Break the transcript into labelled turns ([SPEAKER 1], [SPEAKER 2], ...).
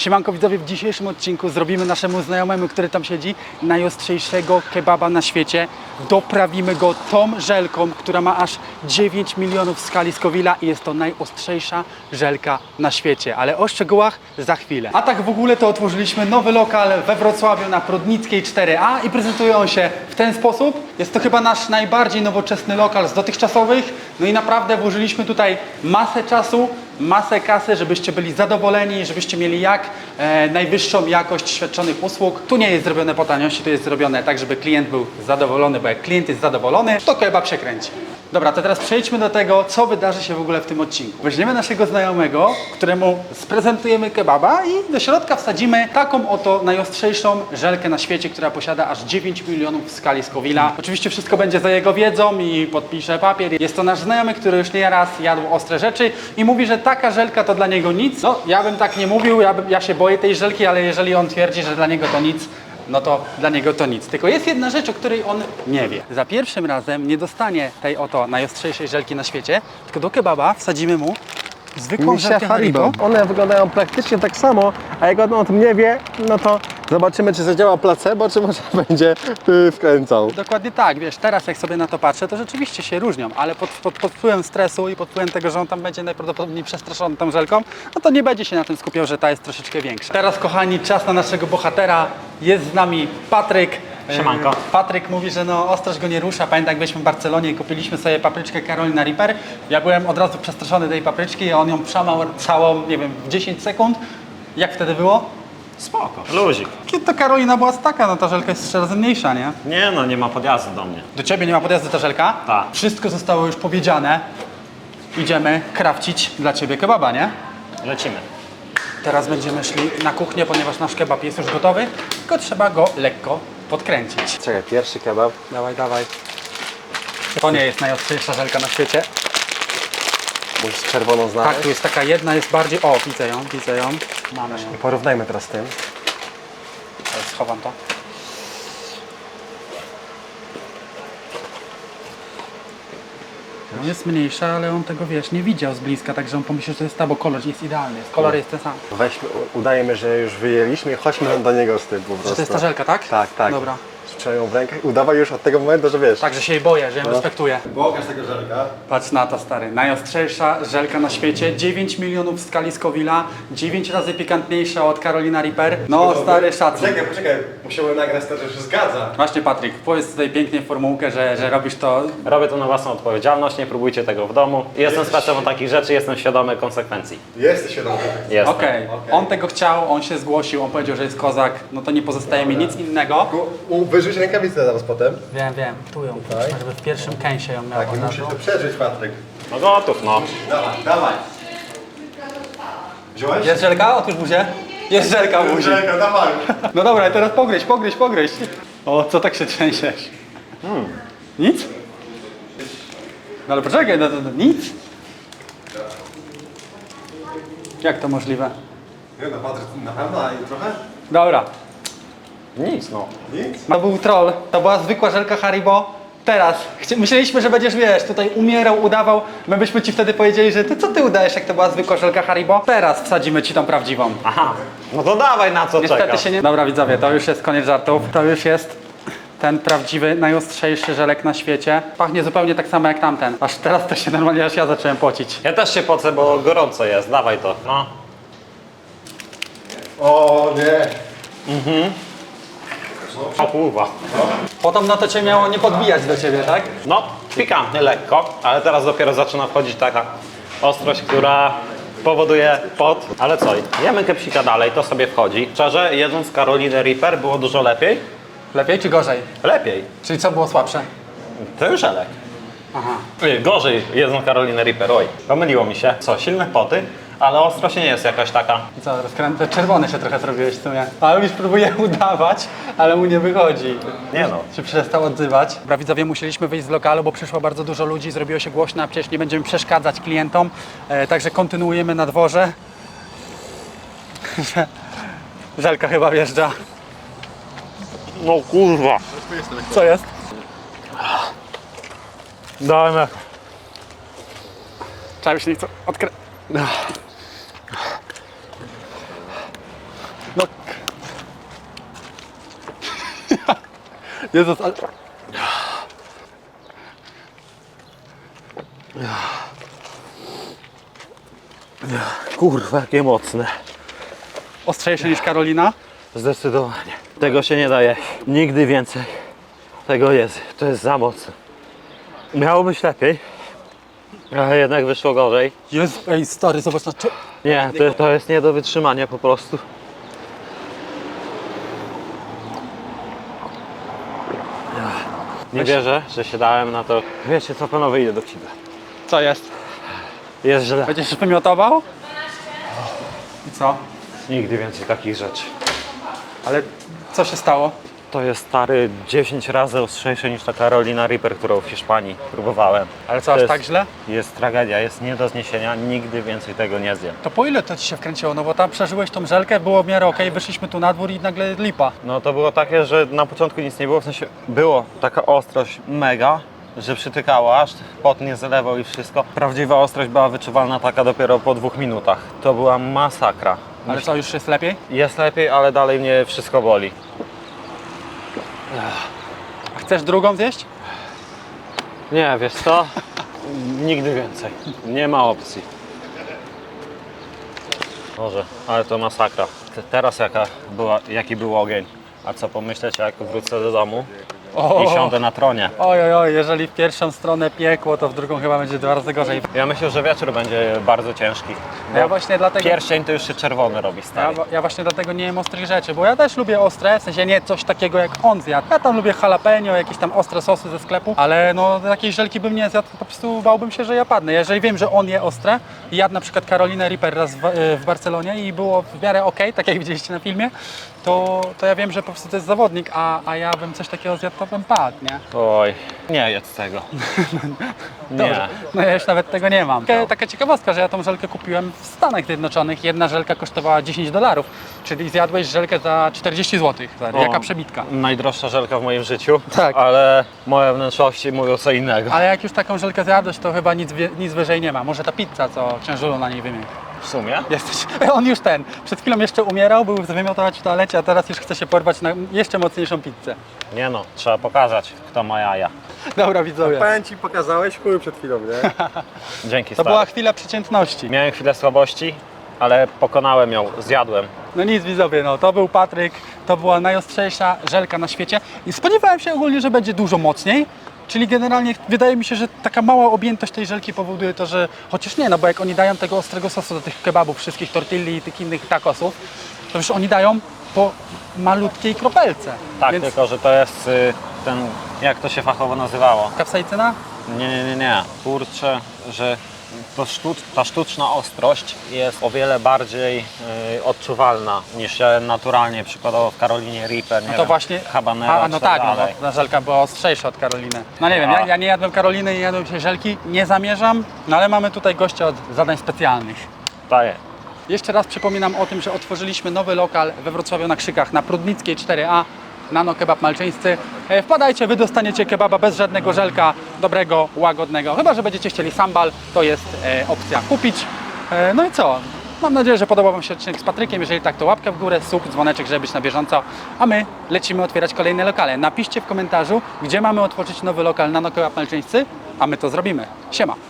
[SPEAKER 1] Siemanko widzowie, w dzisiejszym odcinku zrobimy naszemu znajomemu, który tam siedzi, najostrzejszego kebaba na świecie. Doprawimy go tą żelką, która ma aż 9 milionów w skali Scoville'a i jest to najostrzejsza żelka na świecie. Ale o szczegółach za chwilę. A tak w ogóle to otworzyliśmy nowy lokal we Wrocławiu na Prodnickiej 4A i prezentuje on się w ten sposób. Jest to chyba nasz najbardziej nowoczesny lokal z dotychczasowych. No i naprawdę włożyliśmy tutaj masę czasu, masę kasy, żebyście byli zadowoleni, żebyście mieli jak najwyższą jakość świadczonych usług. Tu nie jest zrobione po taniości, tu jest zrobione tak, żeby klient był zadowolony, bo jak klient jest zadowolony, to kebab się kręci. Dobra, to teraz przejdźmy do tego, co wydarzy się w ogóle w tym odcinku. Weźmiemy naszego znajomego, któremu sprezentujemy kebaba i do środka wsadzimy taką oto najostrzejszą żelkę na świecie, która posiada aż 9 milionów w skali Scoville'a. Oczywiście wszystko będzie za jego wiedzą i podpisze papier. Jest to nasz znajomy, który już nieraz jadł ostre rzeczy i mówi, że taka żelka to dla niego nic. No, ja bym tak nie mówił, ja się boję tej żelki, ale jeżeli on twierdzi, że dla niego to nic, no to dla niego to nic. Tylko jest jedna rzecz, o której on nie wie. Za pierwszym razem nie dostanie tej oto najostrzejszej żelki na świecie, tylko do kebaba wsadzimy mu zwykłą żelkę Haribo.
[SPEAKER 2] One wyglądają praktycznie tak samo, a jak on o tym nie wie, no to zobaczymy, czy zadziała placebo, czy może będzie wkręcał.
[SPEAKER 1] Dokładnie tak, wiesz, teraz jak sobie na to patrzę, to rzeczywiście się różnią, ale pod wpływem stresu i pod wpływem tego, że on tam będzie najprawdopodobniej przestraszony tą żelką, no to nie będzie się na tym skupiał, że ta jest troszeczkę większa. Teraz, kochani, czas na naszego bohatera. Jest z nami Patryk.
[SPEAKER 3] Siemanko.
[SPEAKER 1] Patryk mówi, że no ostrość go nie rusza. Pamiętam, jak byliśmy w Barcelonie i kupiliśmy sobie papryczkę Carolina Reaper. Ja byłem od razu przestraszony tej papryczki i on ją przamał całą, nie wiem, w 10 sekund. Jak wtedy było?
[SPEAKER 3] Spoko, luzik.
[SPEAKER 1] Kiedy to Karolina była taka, no ta żelka jest 3 razy mniejsza, nie?
[SPEAKER 3] Nie no, nie ma podjazdu do mnie.
[SPEAKER 1] Do ciebie nie ma podjazdu ta żelka?
[SPEAKER 3] Tak.
[SPEAKER 1] Wszystko zostało już powiedziane. Idziemy krawcić dla ciebie kebaba, nie?
[SPEAKER 3] Lecimy.
[SPEAKER 1] Teraz będziemy szli na kuchnię, ponieważ nasz kebab jest już gotowy, tylko trzeba go lekko podkręcić.
[SPEAKER 2] Czekaj, pierwszy kebab.
[SPEAKER 1] Dawaj, dawaj. To nie jest najostrzejsza żelka na świecie.
[SPEAKER 2] Musisz czerwoną znaleźć.
[SPEAKER 1] Tak, tu jest taka jedna, jest bardziej... O, widzę ją, widzę ją. Mamy ją.
[SPEAKER 2] Porównajmy teraz z tym.
[SPEAKER 1] Teraz schowam to. No jest mniejsza, ale on tego, wiesz, nie widział z bliska, także on pomyślał, że to jest ta, bo kolor jest idealny. Kolor jest ten sam.
[SPEAKER 2] Weźmy, udajemy, że już wyjęliśmy i chodźmy do niego z tym po prostu.
[SPEAKER 1] Czy to jest ta żelka, tak?
[SPEAKER 2] Tak, tak.
[SPEAKER 1] Dobra.
[SPEAKER 2] Trzymaj ją w rękach. Udawaj już od tego momentu, że wiesz.
[SPEAKER 1] Także się jej boję, że ją respektuję.
[SPEAKER 2] Pokaż tego żelka.
[SPEAKER 1] Patrz na to, stary. Najostrzejsza żelka na świecie. 9 milionów w skali Scoville'a. 9 razy pikantniejsza od Carolina Reaper. No, stary, szacun.
[SPEAKER 2] Poczekaj. Musiałem nagrać to, że się zgadza.
[SPEAKER 1] Właśnie, Patryk, powiedz tutaj pięknie formułkę, że robisz to.
[SPEAKER 3] Robię to na własną odpowiedzialność, nie próbujcie tego w domu. Jestem specem takich rzeczy, jestem świadomy konsekwencji.
[SPEAKER 2] Jesteś świadomy.
[SPEAKER 3] Jestem.
[SPEAKER 1] Okej. On tego chciał, on się zgłosił, on powiedział, że jest kozak. No to nie pozostaje mi nic innego.
[SPEAKER 2] Wyrzuć rękawicę zaraz potem.
[SPEAKER 1] Wiem, tu ją. Żeby w pierwszym kęsie ją miał.
[SPEAKER 2] Tak, i musisz to przeżyć, Patryk.
[SPEAKER 3] No gotów, no.
[SPEAKER 2] Dawaj, dawaj. Wziąłeś?
[SPEAKER 1] Jest żelka? Otóż buzie. Jest żelka w buzi.
[SPEAKER 2] Żelka, dawaj.
[SPEAKER 1] No dobra, teraz pogryź. O, co tak się trzęsiesz? Nic? No ale poczekaj, no, nic? Jak to możliwe?
[SPEAKER 2] Nie no, Patryk, na pewno, i trochę?
[SPEAKER 1] Dobra,
[SPEAKER 3] Nic, no.
[SPEAKER 2] Nic?
[SPEAKER 1] to był troll, to była zwykła żelka Haribo. Teraz, myśleliśmy, że będziesz, wiesz, tutaj umierał, udawał. My byśmy ci wtedy powiedzieli, że ty co ty udajesz, jak to była zwykła żelka Haribo? Teraz wsadzimy ci tą prawdziwą.
[SPEAKER 3] Aha. No to dawaj, na co
[SPEAKER 1] Niestety
[SPEAKER 3] czekasz?
[SPEAKER 1] się nie... Dobra widzowie, to już jest koniec żartów. To już jest ten prawdziwy, najostrzejszy żelek na świecie. Pachnie zupełnie tak samo jak tamten. Aż teraz to się normalnie, aż ja zacząłem pocić.
[SPEAKER 3] Ja też się pocę, bo gorąco jest. Dawaj to. No.
[SPEAKER 2] O nie.
[SPEAKER 3] O kurwa.
[SPEAKER 1] Potem no to cię miało nie podbijać do ciebie, tak?
[SPEAKER 3] No, pikantny lekko, ale teraz dopiero zaczyna wchodzić taka ostrość, która powoduje pot. Ale co, jemy kepsika dalej, to sobie wchodzi. Szczerze, jedząc Carolinę Reaper było dużo lepiej.
[SPEAKER 1] Lepiej czy gorzej?
[SPEAKER 3] Lepiej.
[SPEAKER 1] Czyli co było słabsze?
[SPEAKER 3] To już żelek.
[SPEAKER 1] Aha.
[SPEAKER 3] Gorzej jedzą Carolinę Reaper, oj. Pomyliło mi się. Co, silne poty, ale ostrość nie jest jakaś taka.
[SPEAKER 1] I co, rozkręcę? Czerwony się trochę zrobiłeś w sumie. A on już próbuje udawać, ale mu nie wychodzi.
[SPEAKER 3] Nie no.
[SPEAKER 1] Się przestał odzywać. Dobra, widzowie, musieliśmy wyjść z lokalu, bo przyszło bardzo dużo ludzi, zrobiło się głośno, a przecież nie będziemy przeszkadzać klientom. Także kontynuujemy na dworze. Żelka chyba wjeżdża.
[SPEAKER 3] No kurwa.
[SPEAKER 1] Co jest?
[SPEAKER 3] Dajmy.
[SPEAKER 1] Trzeba się nie chce Jezus, ale...
[SPEAKER 3] Kurwa, jakie mocne.
[SPEAKER 1] Ostrzejsze niż Karolina.
[SPEAKER 3] Zdecydowanie. Tego się nie daje. Nigdy więcej. Tego jest. To jest za mocne. Miało być lepiej, ale jednak wyszło gorzej.
[SPEAKER 1] Jezu, ej stary, zobacz na...
[SPEAKER 3] Nie, to jest nie do wytrzymania po prostu. Nie wierzę, że się dałem na to. Wiecie co, panowie, idę do kibla.
[SPEAKER 1] Co jest?
[SPEAKER 3] Jest źle.
[SPEAKER 1] Będziesz się wymiotował? I co?
[SPEAKER 3] Nigdy więcej takich rzeczy.
[SPEAKER 1] Ale co się stało?
[SPEAKER 3] To jest stary 10 razy ostrzejsze niż ta Carolina Reaper, którą w Hiszpanii próbowałem.
[SPEAKER 1] Ale co,
[SPEAKER 3] To
[SPEAKER 1] aż
[SPEAKER 3] jest,
[SPEAKER 1] tak źle?
[SPEAKER 3] Jest tragedia, jest nie do zniesienia, nigdy więcej tego nie zjem.
[SPEAKER 1] To po ile to ci się wkręciło? No bo tam przeżyłeś tą żelkę, było w miarę okej, wyszliśmy tu na dwór i nagle lipa.
[SPEAKER 3] No to było takie, że na początku nic nie było, w sensie było taka ostrość mega, że przytykało aż, pot nie zalewał i wszystko. Prawdziwa ostrość była wyczuwalna taka dopiero po 2 minutach. To była masakra.
[SPEAKER 1] Ale co, już jest lepiej?
[SPEAKER 3] Jest lepiej, ale dalej mnie wszystko boli.
[SPEAKER 1] A chcesz drugą zjeść?
[SPEAKER 3] Nie, wiesz co? Nigdy więcej. Nie ma opcji. Boże, ale to masakra. Teraz jaki był ogień. A co pomyśleć, jak wrócę do domu i siądę na tronie.
[SPEAKER 1] Oj, oj, jeżeli w pierwszą stronę piekło, to w drugą chyba będzie 2 razy gorzej.
[SPEAKER 3] Ja myślę, że wieczór będzie bardzo ciężki.
[SPEAKER 1] Ja
[SPEAKER 3] Bo
[SPEAKER 1] właśnie dlatego...
[SPEAKER 3] pierścień to już się czerwony robi, stary.
[SPEAKER 1] Ja właśnie dlatego nie jem ostrych rzeczy, bo ja też lubię ostre, w sensie nie coś takiego jak on zjadł. Ja tam lubię jalapeno, jakieś tam ostre sosy ze sklepu, ale no takiej żelki bym nie zjadł, po prostu bałbym się, że ja padnę. Jeżeli wiem, że on je ostre i jadł na przykład Carolinę Reaper raz w Barcelonie i było w miarę okej, tak jak widzieliście na filmie, to ja wiem, że po prostu to jest zawodnik, a ja bym coś takiego zjadł, to bym padł, nie?
[SPEAKER 3] Oj, nie jedz tego. Nie.
[SPEAKER 1] No ja już nawet tego nie mam. Taka ciekawostka, że ja tą żelkę kupiłem w Stanach Zjednoczonych. Jedna żelka kosztowała $10, czyli zjadłeś żelkę za 40 zł. Jaka przebitka.
[SPEAKER 3] Najdroższa żelka w moim życiu,
[SPEAKER 1] Tak.
[SPEAKER 3] ale moje wnętrzności mówią co innego.
[SPEAKER 1] Ale jak już taką żelkę zjadłeś, to chyba nic wyżej nie ma. Może ta pizza, co księżulu na niej wymienił.
[SPEAKER 3] W sumie?
[SPEAKER 1] On już przed chwilą jeszcze umierał, był wymiotować w toalecie, a teraz już chce się porwać na jeszcze mocniejszą pizzę.
[SPEAKER 3] Nie no, trzeba pokazać, kto ma jaja.
[SPEAKER 1] Dobra widzowie,
[SPEAKER 2] Powiem ci, pokazałeś chuj przed chwilą, nie?
[SPEAKER 3] Dzięki,
[SPEAKER 1] to
[SPEAKER 3] stary.
[SPEAKER 1] była chwila przeciętności.
[SPEAKER 3] Miałem chwilę słabości, ale pokonałem ją, zjadłem.
[SPEAKER 1] No nic widzowie, no to był Patryk, to była najostrzejsza żelka na świecie i spodziewałem się ogólnie, że będzie dużo mocniej, czyli generalnie wydaje mi się, że taka mała objętość tej żelki powoduje to, że chociaż nie, no bo jak oni dają tego ostrego sosu do tych kebabów, wszystkich tortilli i tych innych tacosów, to już oni dają po malutkiej kropelce.
[SPEAKER 3] Tak,
[SPEAKER 1] Więc
[SPEAKER 3] tylko że to jest ten, jak to się fachowo nazywało?
[SPEAKER 1] kapsaicyna?
[SPEAKER 3] Nie. Kurczę, że ta sztuczna ostrość jest o wiele bardziej odczuwalna niż się naturalnie przykładowo w Carolinie Reaper, nie
[SPEAKER 1] No to
[SPEAKER 3] wiem,
[SPEAKER 1] właśnie,
[SPEAKER 3] habanero
[SPEAKER 1] no
[SPEAKER 3] czy
[SPEAKER 1] tak, no,
[SPEAKER 3] dalej.
[SPEAKER 1] bo ta żelka była ostrzejsza od Karoliny. No nie wiem, ja nie jadłem Karoliny, nie jadłem się żelki, nie zamierzam, no ale mamy tutaj gościa od zadań specjalnych.
[SPEAKER 3] Daję.
[SPEAKER 1] Jeszcze raz przypominam o tym, że otworzyliśmy nowy lokal we Wrocławiu na Krzykach, na Prudnickiej 4A, Nano Kebab Malczyńscy. Wpadajcie, wy dostaniecie kebaba bez żadnego żelka, dobrego, łagodnego. Chyba że będziecie chcieli sambal, to jest opcja kupić. No i co? Mam nadzieję, że podobał wam się odcinek z Patrykiem. Jeżeli tak, to łapkę w górę, sub, dzwoneczek, żeby być na bieżąco. A my lecimy otwierać kolejne lokale. Napiszcie w komentarzu, gdzie mamy otworzyć nowy lokal Nano Kebab Malczyńscy, a my to zrobimy. Siema!